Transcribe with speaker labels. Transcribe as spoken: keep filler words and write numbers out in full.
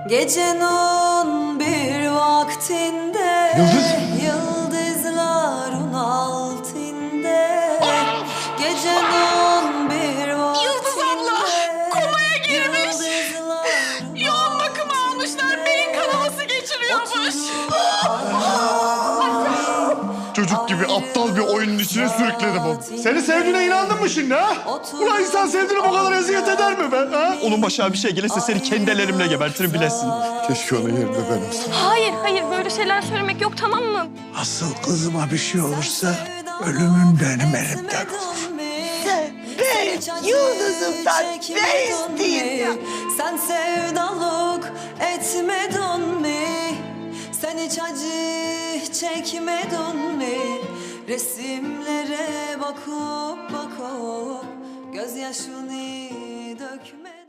Speaker 1: Gecenin bir vaktinde
Speaker 2: Yıldız.
Speaker 1: Yıldızların altında Gecenin bir vaktinde
Speaker 3: Yıldız abla komaya girmiş. Yoğun bakıma almışlar. Beyin kanaması geçiriyormuş.
Speaker 2: Çocuk gibi aptal bir oyunun içine sürükledim onu. Seni sevdiğine inandın mı şimdi ha? Ulan insan sevdiğine bu kadar eziyet eder mi be ha?
Speaker 4: Onun başına bir şey gelirse seni kendi ellerimle gebertirim bilesin.
Speaker 2: Keşke onun yerinde ben olsam.
Speaker 5: Hayır, hayır böyle şeyler söylemek yok tamam mı?
Speaker 6: Asıl kızıma bir şey olursa ölümün benim elimden olur.
Speaker 1: Ben yıldızımdan ne isteyeyim? Sen sevdalık etmedin mi? Sen hiç acı çekmedin mi? Resimlere bakıp bakıp gözyaşını dökme.